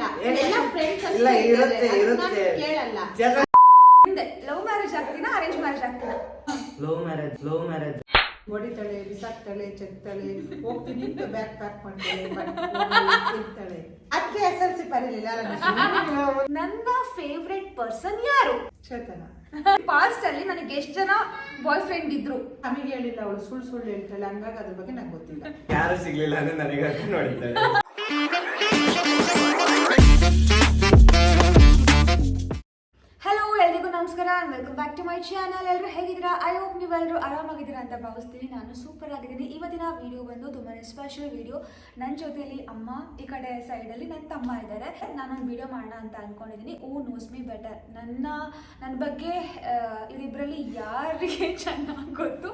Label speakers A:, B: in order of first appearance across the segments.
A: ಎಲ್ಲ ಫ್ರೆಂಡ್ಸ್
B: ಇಲ್ಲ ಇರುತ್ತೆ
A: ಕೇಳಲ್ಲ.
C: ಲವ್ ಮ್ಯಾರೇಜ್ ಆಗ್ತೀನಾ ಅರೇಂಜ್ ಮ್ಯಾರೇಜ್ ಆಗ್ತೀನಾ?
B: ಲವ್ ಮ್ಯಾರೇಜ್
A: ಹೊಡಿತಾಳೆ, ಬಿಸಾಕ್ತಾಳೆ, ಚೆಕ್ತಾಳೆ, ಹೋಗ್ತೀನಿ ಅಂತ ಬ್ಯಾಗ್ ಪ್ಯಾಕ್ ಮಾಡ್ತಾಳೆ, ಇರ್ತಾಳೆ. ಅದಕ್ಕೆ SLC ಬರಲಿಲ್ಲ.
C: ನನ್ನ ಫೇವ್ರೆಟ್ ಪರ್ಸನ್ ಯಾರು?
A: ಚೇತನ.
C: ಪಾಸ್ಟ್ ಅಲ್ಲಿ ನನಗೆ ಎಷ್ಟು ಜನ ಬಾಯ್ ಫ್ರೆಂಡ್ ಇದ್ರು
A: ನಮಗೆ ಹೇಳಿಲ್ಲ, ಅವಳು ಸುಳ್ಳು ಹೇಳ್ತಾಳೆ, ಹಂಗಾಗಿ ಅದ್ರ ಬಗ್ಗೆ ನಂಗೆ ಗೊತ್ತಿಲ್ಲ.
B: ಯಾರು ಸಿಗ್ಲಿಲ್ಲ ಅಂದ್ರೆ ನನಗೆ ನೋಡಿದ್ದಾಳೆ.
C: ಹಲೋ, ಎಲ್ರಿಗೂ ನಮಸ್ಕಾರ and welcome back to my channel. ಎಲ್ಲರೂ ಹೇಗಿದ್ದೀರಾ? ಐ ಹೋಪ್ ನೀವೆಲ್ಲರೂ ಆರಾಮಾಗಿದ್ದೀರಾ ಅಂತ ಭಾವಿಸ್ತೀನಿ. ನಾನು ಸೂಪರ್ ಆಗಿದ್ದೀನಿ. ಇವತ್ತಿನ ವಿಡಿಯೋ ಬಂದು ತುಂಬಾ ಸ್ಪೆಷಲ್ ವಿಡಿಯೋ. ನನ್ನ ಜೊತೆಯಲ್ಲಿ ಅಮ್ಮ, ಈ ಕಡೆ ಸೈಡಲ್ಲಿ ನನ್ನ ತಮ್ಮ ಇದ್ದಾರೆ. ನಾನೊಂದು ವಿಡಿಯೋ ಮಾಡೋಣ ಅಂತ ಅಂದ್ಕೊಂಡಿದ್ದೀನಿ. Who knows me better. ನನ್ನ ಬಗ್ಗೆ ಇವರಿಬ್ಬರಲ್ಲಿ ಯಾರಿಗೆ ಚೆನ್ನಾಗಿ ಗೊತ್ತು,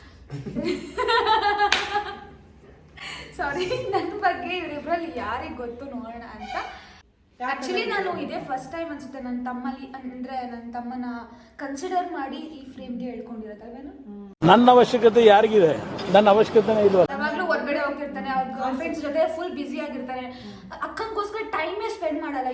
C: ಸಾರಿ, ನನ್ನ ಬಗ್ಗೆ ಇವರಿಬ್ಬರಲ್ಲಿ ಯಾರಿಗೆ ಗೊತ್ತು ನೋಡೋಣ ಅಂತ. ಆಕ್ಚುಲಿ ನಾನು ಇದೇ ಫಸ್ಟ್ ಟೈಮ್ ಅನ್ಸುತ್ತೆ ನನ್ನ ತಮ್ಮಲ್ಲಿ, ಅಂದ್ರೆ ನನ್ನ ತಮ್ಮನ ಕನ್ಸಿಡರ್ ಮಾಡಿ ಈ ಫ್ರೇಮ್ಗೆ ಹೇಳ್ಕೊಂಡಿರೋದಲ್ವೇನು.
D: ನನ್ನ ಅವಶ್ಯಕತೆ ಯಾರಿಗಿದೆ? ನನ್ನ ಅವಶ್ಯಕತೆನೇ ಇಲ್ಲ.
C: ಯಾವಾಗ್ಲೂ ಹೊರಗಡೆ ಹೋಗ್ತಿರ್ತಾನೆ, ಅವ್ರ ಗರ್ಲ್ ಫ್ರೆಂಡ್ಸ್ ಜೊತೆ ಫುಲ್ ಬಿಸಿ ಆಗಿರ್ತಾನೆ. ಅಕ್ಕಂಗೋಸ್ಕರ ಟೈಮೇ ಸ್ಪೆಂಡ್ ಮಾಡಲ್ಲ.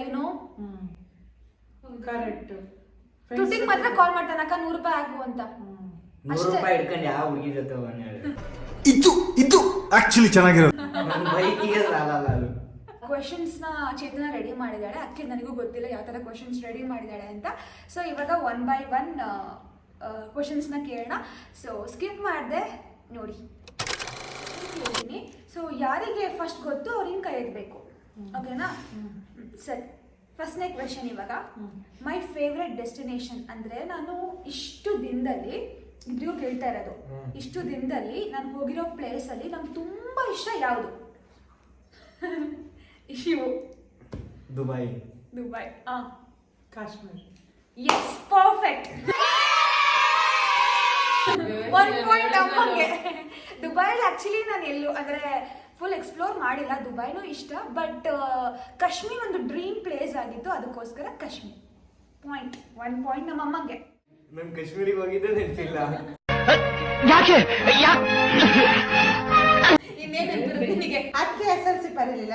A: ಕರೆಕ್ಟ್.
C: ತುಟಿಗೆ ಮಾತ್ರ ಕಾಲ್ ಮಾಡ್ತಾನೆ, ಅಕ್ಕ 100 ರೂಪಾಯಿ ಹಾಕು ಅಂತ.
B: 100 ರೂಪಾಯಿ ಇಟ್ಕೊಂಡು ಯಾವ ಹುಡುಗಿ ಜೊತೆ
D: ಇದು ಆಕ್ಚುಲಿ ಚೆನ್ನಾಗಿರೋದು.
B: ಬೈಕಿಗೆ ಸಾಲಲ್ಲ ಅದು.
C: ಕ್ವೆಶನ್ಸ್ ನ ಚೇತನ ರೆಡಿ ಮಾಡಿದಾಳೆ. ಅದಕ್ಕೆ ನನಗೂ ಗೊತ್ತಿಲ್ಲ ಯಾವ ತರ ಕ್ವೆಶನ್ಸ್ ರೆಡಿ ಮಾಡಿದಾಳೆ ಅಂತ. ಸೊ ಇವಾಗ 1 by 1 ಕ್ವೆಶನ್ಸ್ ನ ಕೇಳೋಣ. ಸೊ ಸ್ಕಿಪ್ ಮಾಡಿದೆ ನೋಡಿ ಹೇಳ್ತೀನಿ. ಸೊ ಯಾರಿಗೆ ಫಸ್ಟ್ ಗೊತ್ತು ಅವ್ರಿಗೆ ಕೈ ಎತ್ತಬೇಕು, ಓಕೆನಾ? ಸರಿ, ಫಸ್ಟ್ನೇ ಕ್ವೆಶನ್ ಇವಾಗ. ಮೈ ಫೇವ್ರೆಟ್ ಡೆಸ್ಟಿನೇಷನ್ ಅಂದ್ರೆ, ನಾನು ಇಷ್ಟು ದಿನದಲ್ಲಿ ಇದ್ರಿಗೂ ಕೇಳ್ತಾ ಇರೋದು, ಇಷ್ಟು ದಿನದಲ್ಲಿ ನಾನು ಹೋಗಿರೋ ಪ್ಲೇಸ್ ಅಲ್ಲಿ ನಂಗೆ ತುಂಬಾ ಇಷ್ಟ ಯಾವುದು? Shivu.
B: Dubai.
A: Kashmir.
C: Yes, perfect. 1 point ಅಮ್ಮಗೆ. ದುಬೈಲಿ ಆಕ್ಚುಲಿ ನಾನು ಎಲ್ಲೂ ಅಂದ್ರೆ ಫುಲ್ ಎಕ್ಸ್ಪ್ಲೋರ್ ಮಾಡಿಲ್ಲ. ದುಬೈನೂ ಇಷ್ಟ, ಬಟ್ ಕಾಶ್ಮೀರ್ ಒಂದು ಡ್ರೀಮ್ ಪ್ಲೇಸ್ ಆಗಿತ್ತು, ಅದಕ್ಕೋಸ್ಕರ ಕಾಶ್ಮೀರ್. 1 ಪಾಯಿಂಟ್ ನಮ್ಮ ಅಮ್ಮಂಗೆ.
B: ನಾನು ಕಾಶ್ಮೀರಿಗೆ ಹೋಗಿದ್ದೆ ನೆನಪಿಲ್ಲ.
C: ನಿನಗೆ
A: ಅದಕ್ಕೆ SLC ಬರಲಿಲ್ಲ.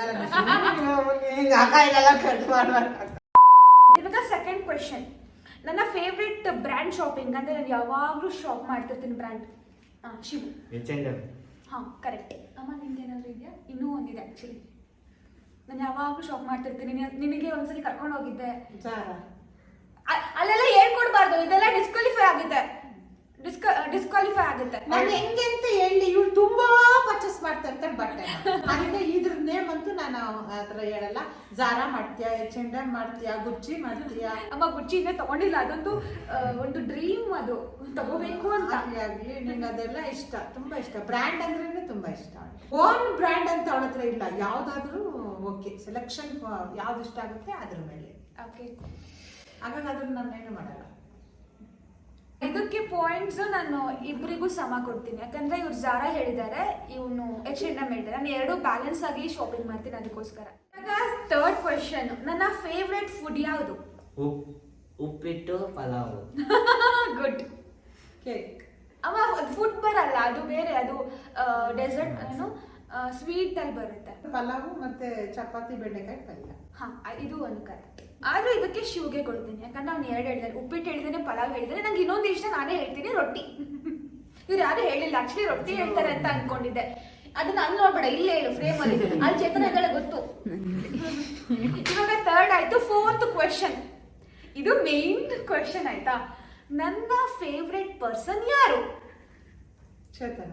C: ಇವಾಗ ಸೆಕೆಂಡ್ ಕ್ವೆಶನ್. ನನ್ನ ಫೇವ್ರೆಟ್ ಬ್ರ್ಯಾಂಡ್ ಶಾಪಿಂಗ್ ಅಂದ್ರೆ, ನಾನು ಯಾವಾಗಲೂ ಶಾಪ್ ಮಾಡ್ತಿರ್ತೀನಿ ಬ್ರ್ಯಾಂಡ್. ಶಿವು. ಹಾಂ, ಕರೆಕ್ಟ್. ಅಮ್ಮ ನಿಮ್ಗೆ ಏನಾದರೂ ಇದೆಯಾ? ಇನ್ನೂ ಒಂದಿದೆ ಆ್ಯಕ್ಚುಲಿ. ನಾನು ಯಾವಾಗಲೂ ಶಾಪ್ ಮಾಡ್ತಿರ್ತೀನಿ. ನಿನಗೆ ಒಂದ್ಸಲಿ ಕರ್ಕೊಂಡು ಹೋಗಿದ್ದೆ. ಅಲ್ಲೆಲ್ಲ ಹೇಳ್ಕೊಡ್ಬಾರ್ದು, ಇದೆಲ್ಲ ಡಿಸ್ಕ್ವಾಲಿಫೈ ಆಗುತ್ತೆ.
A: ನಾನು ಹೆಂಗೆ ಅಂತ ಹೇಳಿ, ಇವ್ರು ತುಂಬಾ ಪರ್ಚೇಸ್ ಮಾಡ್ತಾ ಇರ್ತಾರೆ ಬಟ್ಟೆ. ಅದಕ್ಕೆ ಇದ್ರ ನೇಮ್ ಅಂತೂ ನಾನು ಆತರ ಹೇಳಲ್ಲ. ಜಾರಾ ಮಾಡ್ತೀಯಾ, H&M ಮಾಡ್ತೀಯಾ, ಗುಚ್ಚಿ ಮಾಡ್ತೀಯಾ?
C: ಅಮ್ಮ ಗುಚ್ಚಿ ಇನ್ನೇ ತಗೊಂಡಿಲ್ಲ, ಅದೊಂದು ಒಂದು ಡ್ರೀಮ್, ಅದು ತಗೋಬೇಕು ಅಂತ.
A: ಆಗ್ಲಿ ನಿಂಗೆ ಅದೆಲ್ಲ ಇಷ್ಟ, ತುಂಬಾ ಇಷ್ಟ. ಬ್ರ್ಯಾಂಡ್ ಅಂದ್ರೇನೆ ತುಂಬಾ ಇಷ್ಟ. ಓನ್ ಬ್ರ್ಯಾಂಡ್ ಅಂತ ಅವಳ ಹತ್ರ ಇಲ್ಲ. ಯಾವ್ದಾದ್ರು ಓಕೆ, ಸೆಲೆಕ್ಷನ್ ಯಾವ್ದು ಇಷ್ಟ ಆಗುತ್ತೆ ಅದ್ರ ಮೇಲೆ.
C: ಓಕೆ,
A: ಹಾಗಾಗಿ ಅದನ್ನ ನಾನೇನು ಮಾಡಲ್ಲ.
C: ಇದಕ್ಕೆ ಪಾಯಿಂಟ್ಸ್ ನಾನು ಇಬ್ಬರಿಗೂ ಸಮ ಕೊಡ್ತೀನಿ. ಯಾಕಂದ್ರೆ ಇವ್ರು ಜಾರಾ ಹೇಳಿದ್ದಾರೆ, ಇವನು H&M ಹೇಳಿದ್ದಾರೆ. ನಾನು ಎರಡು ಬ್ಯಾಲೆನ್ಸ್ ಆಗಿ ಶಾಪಿಂಗ್ ಮಾಡ್ತೀನಿ, ಅದಕ್ಕೋಸ್ಕರ. ಇವಾಗ ಥರ್ಡ್ ಕ್ವೆಶನ್. ನನ್ನ ಫೇವ್ರೆಟ್ ಫುಡ್ ಯಾವುದು?
B: ಉಪ್ಪಿಟ್ಟು, ಪಲಾವ್.
C: ಗುಡ್.
A: ಕೇಕ್.
C: ಅಮ್ಮ ಫುಡ್ ಬರಲ್ಲ, ಅದು ಬೇರೆ, ಅದು ಡೆಸರ್ಟ್, ಏನು ಸ್ವೀಟ್ ಅಲ್ಲಿ ಬರುತ್ತೆ.
A: ಪಲಾವು ಮತ್ತೆ ಚಪಾತಿ, ಬೆಂಡೆಕಾಯಿ ಪಲ್ಯ.
C: ಹಾ, ಇದು ಒಂದು ಕರೆಕ್ಟ್. ಆದ್ರೂ ಇದಕ್ಕೆ ಶಿವ್ಗೆ ಕೊಡ್ತೀನಿ, ಯಾಕಂದ್ರೆ ಅವ್ನು 2 ಹೇಳಿದಾರೆ. ಉಪ್ಪಿಟ್ಟು ಹೇಳಿದಾನೆ, ಪಲಾವ್ ಹೇಳಿದಾನೆ. ನಂಗೆ ಇನ್ನೊಂದು ಇಷ್ಟ, ನಾನೇ ಹೇಳ್ತೀನಿ, ರೊಟ್ಟಿ. ಇವ್ರು ಯಾರು ಹೇಳಿಲ್ಲ ಆಕ್ಚುಲಿ, ರೊಟ್ಟಿ ಹೇಳ್ತಾರೆ ಅಂತ ಅನ್ಕೊಂಡಿದ್ದೆ. ಅದನ್ನ ಅಲ್ಲಿ ನೋಡ್ಬೇಡ, ಇಲ್ಲೇ ಹೇಳು ಫ್ರೇಮ್ ಅಲ್ಲಿ. ಅಲ್ಲಿ ಚೇತನ ಇದ್ದಾಳೆ ಗೊತ್ತು. ಇವಾಗ ಥರ್ಡ್ ಆಯ್ತು. Fourth question. ಇದು ಮೇನ್ ಕ್ವೆಶನ್ ಆಯ್ತಾ. ನನ್ನ ಫೇವ್ರೆಟ್ ಪರ್ಸನ್ ಯಾರು?
A: ಚೇತನ.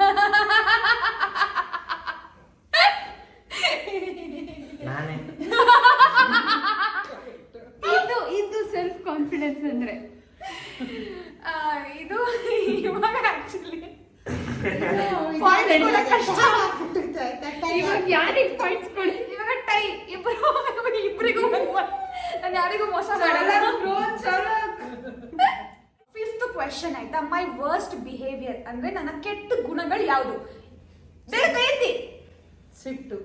B: ನಾನೇ.
C: ಇದು ಸೆಲ್ಫ್ ಕಾನ್ಫಿಡೆನ್ಸ್ ಅಂದ್ರೆ. ಇದು ಇವಾಗ ಆಕ್ಚುಲಿ ಯಾರಿಗೆ ಪಾಯಿಂಟ್ಸ್ ಕೊಡಿ. ಇವಾಗ ಟೈ, ಇಬ್ಬರಿಗೂ ನಾನು ಯಾರಿಗೂ ಮೋಸ ಮಾಡಲ್ಲ. ಫಿಫ್ತ್ ಕ್ವೆಶನ್ ಆಯ್ತಾ. ಮೈ ವರ್ಸ್ಟ್ ಬಿಹೇವಿಯರ್ ಅಂದ್ರೆ, ನನ್ನ ಕೆಟ್ಟ ಗುಣಗಳು ಯಾವುದು? ಬೇಗ ಕೈತಿ.
A: ಸಿಟ್ಟು.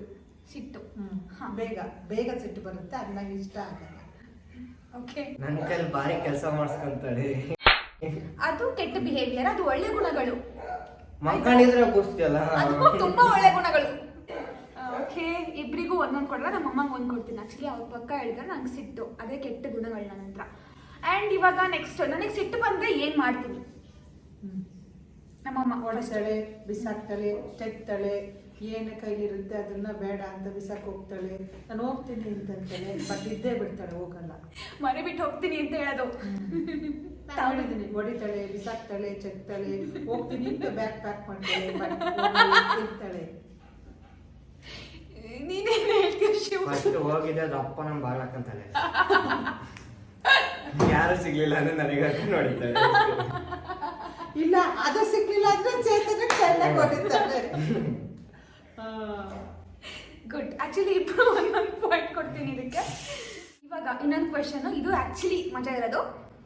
A: ಬೇಗ ಸಿಟ್ಟು ಬರುತ್ತೆ, ಅದು ನಂಗೆ ಇಷ್ಟ ಆಗಲ್ಲ.
C: ಓಕೆ,
B: ನನ್ನ ಕೈಲಿ ಭಾರಿ ಕೆಲಸ ಮಾಡಿಸ್ಕೊಂತಾಳೆ.
C: ಅದು ಕೆಟ್ಟ ಬಿಹೇವಿಯರ್. ಅದು ಒಳ್ಳೆ ಗುಣಗಳು.
B: ಮಕ್ಕಳಿದ್ರೆ ಗೊತ್ತಿಲ್ಲ,
C: ಅದು ತುಂಬಾ ಒಳ್ಳೆ ಗುಣಗಳು. ಓಕೆ, ಇಬ್ರಿಗೂ 1 ಒಂದು ಕೊಡಲ್ಲ, ನಮ್ಮ ಅಮ್ಮಂಗೆ ಒಂದು ಕೊಡ್ತೀನಿ. ಆ್ಯಕ್ಚುಲಿ ಅವ್ರ ಪಕ್ಕ ಹೇಳಿದ್ರೆ ನಂಗೆ ಸಿಟ್ಟು, ಅದೇ ಕೆಟ್ಟ ಗುಣಗಳು ನನ್ನ ಹತ್ರ. ಆ್ಯಂಡ್ ಇವಾಗ ನೆಕ್ಸ್ಟ್ ನನಗೆ ಸಿಟ್ಟು ಬಂದರೆ ಏನು ಮಾಡ್ತೀನಿ? ನಮ್ಮಮ್ಮ
A: ಹೊಡಿತಾಳೆ, ಬಿಸಾಕ್ತಾಳೆ, ತೆಗ್ತಾಳೆ, ಏನು ಕೈಲಿರುತ್ತೆ ಅದನ್ನ ಬೇಡ ಅಂತ ಬಿಸಾಕ್ ಹೋಗ್ತಾಳೆ. ನಾನು ಹೋಗ್ತೀನಿ ಅಂತಂತಾಳೆ, ಬಟ್ ಇದ್ದೇ ಬಿಡ್ತಾಳೆ, ಹೋಗಲ್ಲ.
C: ಮನೆ ಬಿಟ್ಟು ಹೋಗ್ತೀನಿ ಅಂತ ಹೇಳೋದು.
A: ನಾನು ಹೇಳಿದ್ದೀನಿ, ಹೊಡಿತಾಳೆ, ಬಿಸಾಕ್ತಾಳೆ, ಚೆಕ್ತಾಳೆ, ಹೋಗ್ತೀನಿ ಅಂತ ಬ್ಯಾಗ್ ಪ್ಯಾಕ್ ಮಾಡ್ತಾಳೆ, ಬಟ್ ಇರ್ತಾಳೆ.
C: ನೀನೇನು ಹೇಳ್ತೀಯ ಶಿವ?
B: ಫಸ್ಟ್ ಹೋಗಿದೆ ಅದು ಅಪ್ಪ ನಮ್ಮ ಬಾಗ್ಲಾಕಂತಾಳೆ. ಯಾರು ಸಿಗ್ಲಿಲ್ಲ ಅಂದ್ರೆ ನನಗೆ ಹಾಕೊಂಡು ಹೊಡಿತಾಳೆ.
A: ಇಲ್ಲ ಅದು ಸಿಗ್ಲಿಲ್ಲ ಅಂದ್ರೆ ಚೇತನ ಚೆನ್ನಾಗಿ ಹೊಡಿತಾಳೆ.
C: ಗುಡ್. ಆ್ಯಕ್ಚುಲಿ ಇಬ್ಬರು ಒಂದೊಂದು ಪಾಯಿಂಟ್ ಕೊಡ್ತೀನಿ ಇದಕ್ಕೆ. ಇವಾಗ ಇನ್ನೊಂದು ಕ್ವೆಶನು, ಇದು ಆ್ಯಕ್ಚುಲಿ ಮಜಾ ಇರೋದು.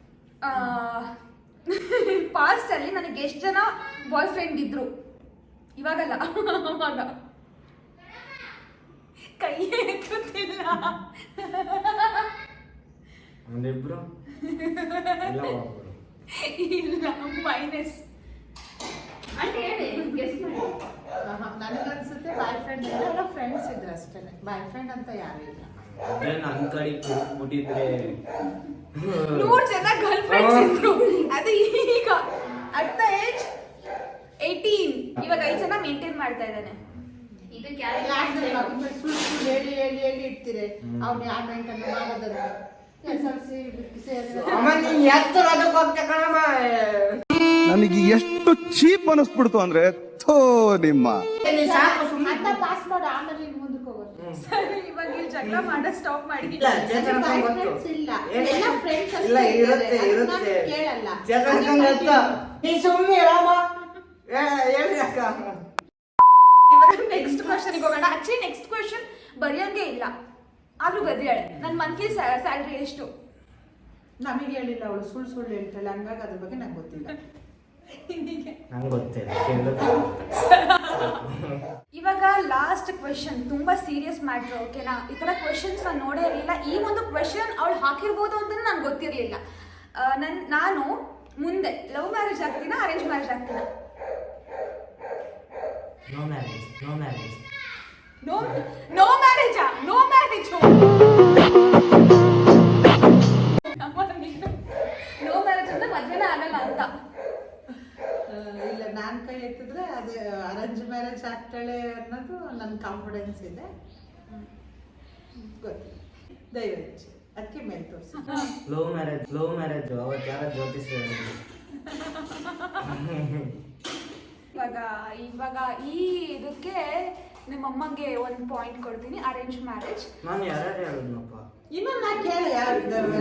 C: ಪಾಸ್ಟಲ್ಲಿ ನನಗೆ ಎಷ್ಟು ಜನ ಬಾಯ್ ಫ್ರೆಂಡ್ ಇದ್ರು? ಇವಾಗಲ್ಲ, ಅವಾಗ. ಕೈ ಎತ್ತುತ್ತಿಲ್ಲ.
B: ಒಂದಿಬ್ರು ಇಲ್ಲ ಒಬ್ರು.
C: ಇಲ್ಲ, ಮೈನಸ್ ಅಂತ ಹೇಳಿ ಗೆಸ್ ಮಾಡಿ.
A: ನನಗನ್ಸುತ್ತೆ ಬಾಯ್ ಫ್ರೆಂಡ್ ಎಲ್ಲ ಫ್ರೆಂಡ್ಸ್ ಇದ್ರು ಅಷ್ಟೇ, ಬಾಯ್ ಫ್ರೆಂಡ್ ಅಂತ ಯಾರು ಇಲ್ಲ.
B: ಅದೇ ನನ್ನ ಕಡೆ ಬಿಟ್ಟಿದ್ರೆ
C: 100 ಜನ ಗರ್ಲ್ ಫ್ರೆಂಡ್ಸ್ ಇದ್ರು. ಅದು ಈಗ ಅಟ್ ದ ಏಜ್ 18 ಇವಾಗ 5 ಜನ ಮೇಂಟೈನ್ ಮಾಡ್ತಾ ಇದ್ದಾನೆ. ಇದಕ್ಕೆ
A: ಸುಳ್ಳು ಹೇಳಿ ಹೇಳಿ ಹೇಳಿ ಇಡ್ತೀರಿ, ಅವ್ನು ಯಾವ ಮೇಂಟೈನ್ ಮಾಡೋದನ್ನ.
B: ಅಮ್ಮ ನೀನ್ ಎತ್ತರ ಅದಕ್ಕೆ ಹೋಗ್ತಾ ಕಣಮ್ಮ.
E: ನನಗೆ ಎಷ್ಟು ಚೀಪ್ ಅನಿಸ್ಬಿಡ್ತು ಅಂದ್ರೆ ಥೋ ನಿಮ್ಮ
B: ಸಾಕು ಸುಮ್ಮನೆ.
A: ಅದ್ನ ಪಾಸ್ ಮಾಡು, ಆಮೇಲೆ ಇನ್ನು ಮುಂದಕ್ಕೆ ಹೋಗೋದು.
C: ಸರಿ, ಇವಾಗ ಇಲ್ಲಿ ಜಗಳ ಮಾಡೋದು ಸ್ಟಾಪ್ ಮಾಡಿ.
B: ಇಲ್ಲ ಚೇತನ
A: ಬಾಯ್
B: ಗೊತ್ತು.
A: ಫ್ರೆಂಡ್ಸ್ ಇಲ್ಲ, ಎಲ್ಲ ಫ್ರೆಂಡ್ಸ್
B: ಇಲ್ಲ
A: ಅಷ್ಟೇ
B: ಇರುತ್ತೆ
A: ಇದ್ದಾರೆ.
B: ಇರುತ್ತೆ.
A: ಅದನ್ನ ಕೇಳಲ್ಲ.
B: ಚೇತನ ಗೊತ್ತು. ನೀ ಸುಮ್ಮನೆ ರಾಮ ಹೇಳಿ ಅಕ್ಕ.
C: ಇವಾಗ ನೆಕ್ಸ್ಟ್ ಕ್ವಶನ್ಗೆ ಹೋಗೋಣ. ಆಕ್ಚುಲಿ ನೆಕ್ಸ್ಟ್ ಕ್ವಶನ್ ಬರೆಯೋಂಗೆ ಇಲ್ಲ, ಆದ್ರೂ ಬದಿಯಾಳೆ. ನನ್ನ ಮಂತ್ಲಿ ಸ್ಯಾಲ್ರಿ ಎಷ್ಟು?
A: ನಮಗೆ ಹೇಳಿಲ್ಲ, ಅವಳು ಸುಳ್ಳು ಸುಳ್ಳು ಹೇಳ್ತಾಳೆ, ಹಂಗಾಗಿ ಅದ್ರ ಬಗ್ಗೆ ನಂಗೆ ಗೊತ್ತಿಲ್ಲ.
B: ನಂಗೆ ಗೊತ್ತಿಲ್ಲ.
C: ಇವಾಗ ಲಾಸ್ಟ್ ಕ್ವೆಶನ್, ತುಂಬಾ ಸೀರಿಯಸ್ ಮ್ಯಾಟ್ರ್. ಓಕೆನಾ? ಈ ತರ ಕ್ವೆಶನ್ಸ್ ನಾನು ನೋಡೇ ಇರಲಿಲ್ಲ. ಈ ಒಂದು ಕ್ವೆಶನ್ ಅವಳು ಹಾಕಿರ್ಬೋದು ಅಂತ ನಂಗೆ ಗೊತ್ತಿರಲಿಲ್ಲ. ನಾನು ಮುಂದೆ ಲವ್ ಮ್ಯಾರೇಜ್ ಆಗ್ತೀನಾ, ಅರೇಂಜ್ ಮ್ಯಾರೇಜ್ ಆಗ್ತೀನಾ?
B: No marriage. No marriage.
C: No ಮ್ಯಾರೇಜಾ? No marriage. ನೋ ಮ್ಯಾರೇಜ್ ಅಂದ್ರೆ ಮದ್ವೆನೇ ಆಗಲ್ಲ ಅಂತ.
A: ಇಲ್ಲ, ನಾನು ಕೈ ಎತ್ತಿದ್ರೆ ಅದೇ ಅರೇಂಜ್ ಮ್ಯಾರೇಜ್ ಆಗ್ತಾಳೆ ಅನ್ನೋದು ನನ್ನ ಕಾನ್ಫಿಡೆನ್ಸ್ ಇದೆ. ಗೊತ್ತಿಲ್ಲ, ದಯವಿಟ್ಟು ಅದಕ್ಕೆ ಮೇಲೆ ತೋರಿಸಿ.
B: Love marriage. ಲವ್ ಮ್ಯಾರೇಜ್ ಅವತ್ತು ಯಾರ ಜ್ಯೋತಿಷ್ ಹೇಳಿದ್ರು.
C: ಇವಾಗ ಈ ಇದಕ್ಕೆ ನಿಮ್ಮ ಅಮ್ಮಂಗೆ ಒಂದು ಪಾಯಿಂಟ್ ಕೊಡ್ತೀನಿ. Arrange marriage.
B: ನಾನು ಯಾರು ಹೇಳಿದ್ನಪ್ಪ?
A: ಇನ್ನೊಂದು ನಾ ಕೇಳಿ ಯಾರಿದ್ದಾರೆ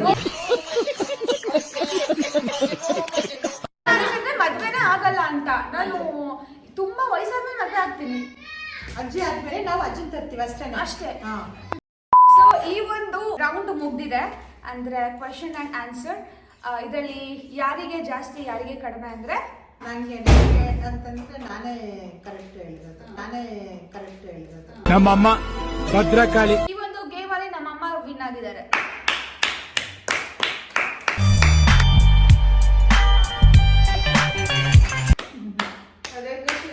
C: ಅಂದ್ರೆ ಮದ್ವೆನೇ ಆಗಲ್ಲ ಅಂತ. ನಾನು ತುಂಬಾ ವಯಸ್ಸಾದ್ಮೇಲೆ ಮದ್ವೆ ಆಗ್ತೀನಿ.
A: ಅಜ್ಜಿ ಆದ್ಮೇಲೆ ನಾವು ಅಜ್ಜನ್ ತರ್ತೀವಿ ಅಷ್ಟೇ.
C: ಅಷ್ಟೇ.
A: ಹಾ.
C: ಸೊ ಈ ಒಂದು ರೌಂಡ್ ಮುಗ್ದಿದೆ, ಅಂದ್ರೆ ಕ್ವೆಶನ್ ಅಂಡ್ ಆನ್ಸರ್. ಇದರಲ್ಲಿ ಯಾರಿಗೆ ಜಾಸ್ತಿ ಯಾರಿಗೆ ಕಡಿಮೆ ಅಂದ್ರೆ
A: ನನಗೆ ಅಂತಂದ್ರೆ ನಾನೇ ಕರೆಕ್ಟ್ ಹೇಳಿರೋದು.
D: ನಮ್ಮಮ್ಮ ಭದ್ರಕಾಳಿ.
C: ಈ ಒಂದು ಗೇಮ್ ಅಲ್ಲಿ ನಮ್ಮಮ್ಮ ವಿನ್ ಆಗಿದ್ದಾರೆ.
A: ಅದೇ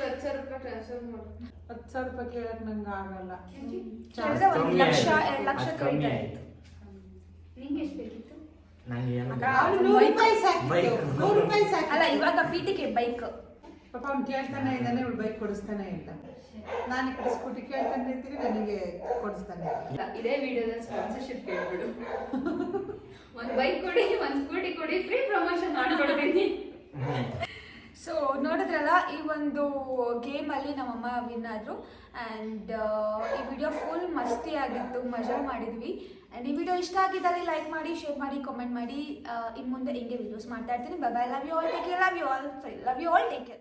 A: 10,000 ರೂಪಾಯಿ ಕೇಳಕ್ ನಂಗೆ ಆಗಲ್ಲ.
C: ಕೇಳಿದ್ರೆ 1 ಲಕ್ಷ 2 ಲಕ್ಷ
B: ಕಮ್ಮಿ
C: ಕೇಳ್ತಾರೆ.
B: ಆಯ್ತು.
C: ನಿಂಗೆ ಎಷ್ಟು ಬೇಕಿತ್ತು?
B: ನಂಗೆ ಏನು
A: ಅವ್ಳು 100 ರೂಪಾಯಿ ಸಾಕಿತ್ತು.
B: ಬೈಕ್.
A: 100 ರೂಪಾಯಿ ಸಾಕಿತ್ತು.
C: ಅಲ್ಲ, ಇವಾಗ ಪೀಟಿಗೆ ಬೈಕ್.
A: ಪಾಪ ಅವ್ನು ಕೇಳ್ತಾನೆ ಇದ್ದಾನೆ, ಇವಳು ಬೈಕ್ ಕೊಡಿಸ್ತಾನೆ ಇಲ್ಲ. ನಾನು ಈ ಕಡೆ ಸ್ಕೂಟಿ ಕೇಳ್ತಾನೆ ಇರ್ತೀನಿ, ನನಗೆ ಕೊಡಿಸ್ತಾನೆ ಇಲ್ಲ.
F: ಇದೇ ವಿಡಿಯೋದ ಸ್ಪಾನ್ಸರ್ಶಿಪ್ ಕೇಳ್ಬಿಡು. ಒಂದು ಬೈಕ್ ಕೊಡಿ, ಒಂದು ಸ್ಕೂಟಿ ಕೊಡಿ, ಫ್ರೀ ಪ್ರಮೋಷನ್ ಮಾಡ್ಕೊಡ್ತೀನಿ.
C: ಸೊ ನೋಡಿದ್ರಲ್ಲ, ಈ ಒಂದು ಗೇಮಲ್ಲಿ ನಮ್ಮಮ್ಮ ವಿನ್ ಆದರು. ಆ್ಯಂಡ್ ಈ ವಿಡಿಯೋ ಫುಲ್ ಮಸ್ತಿ ಆಗಿತ್ತು, ಮಜಾ ಮಾಡಿದ್ವಿ. ಆ್ಯಂಡ್ ಈ ವಿಡಿಯೋ ಇಷ್ಟ ಆಗಿದ್ದಲ್ಲಿ ಲೈಕ್ ಮಾಡಿ, ಶೇರ್ ಮಾಡಿ, ಕಾಮೆಂಟ್ ಮಾಡಿ. ಇನ್ನು ಮುಂದೆ ಹಿಂಗೆ ವಿಡಿಯೋಸ್ ಮಾಡ್ತಾ ಇರ್ತೀನಿ. Bye. Love you all, take care. Love you all, take care.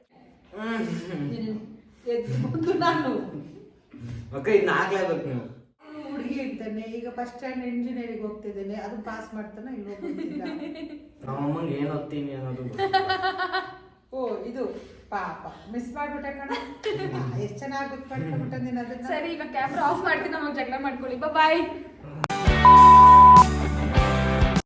A: ಮುಂದೆ ನಾನು
B: ಓಕೆ, ಇನ್ನು ಆಗ್ಲೇಬೇಕು ನೀವು.
A: ಹುಡುಗಿ ಇರ್ತಾನೆ, ಈಗ ಫಸ್ಟ್ ಸ್ಟ್ಯಾಂಡ್ ಇಂಜಿನಿಯರಿಂಗ್ ಹೋಗ್ತಿದ್ದೇನೆ, ಅದು ಪಾಸ್ ಮಾಡ್ತಾನೆ, ಇವಾಗ ಗೊತ್ತಿಲ್ಲ.
B: ನಮ್ಮ ಅಮ್ಮಂಗೆ ಏನು ಓದ್ತೀನಿ ಅನ್ನೋದು ಗೊತ್ತು.
A: ಓ ಇದು ಪಾಪ ಮಿಸ್ ಮಾಡ್ಬಿಟ್ಟೆ ಕಣ. ಎಷ್ಟು ಚೆನ್ನಾಗಿ ಗೊತ್ತು ಮಾಡ್ಕೊಂಡ್ಬಿಟ್ಟೆ ನೀನು ಅದನ್ನ.
C: ಸರಿ, ಈಗ ಕ್ಯಾಮ್ರಾ ಆಫ್ ಮಾಡ್ತೀನಿ, ನಮಗೆ ಜಗಳ ಮಾಡ್ಕೊಳ್ಳಿ. ಬಾಯ್.